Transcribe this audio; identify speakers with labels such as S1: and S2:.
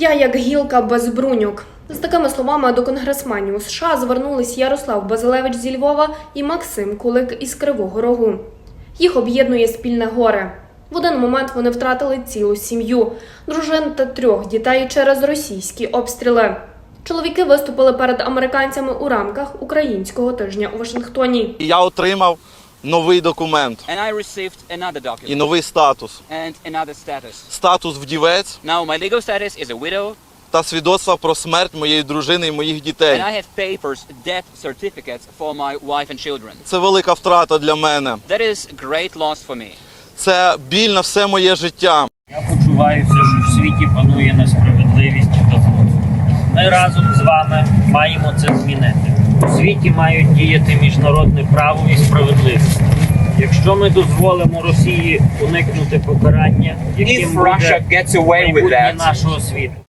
S1: Я як гілка без бруньок. З такими словами до конгресменів у США звернулись Ярослав Базилевич зі Львова і Максим Кулик із Кривого Рогу. Їх об'єднує спільне горе. В один момент вони втратили цілу сім'ю, дружин та 3 дітей через російські обстріли. Чоловіки виступили перед американцями у рамках Українського тижня у Вашингтоні.
S2: Я отримав новий документ і новий статус. Статус вдівець та свідоцтво про смерть моєї дружини і моїх дітей. Це велика втрата для мене. Це біль на все моє життя.
S3: Я почуваюся, що в світі панує несправедливість та зло. Ми разом з вами маємо це змінити. У світі мають діяти міжнародне право і справедливість. Якщо ми дозволимо Росії уникнути покарання, яким буде майбутнє нашого світу.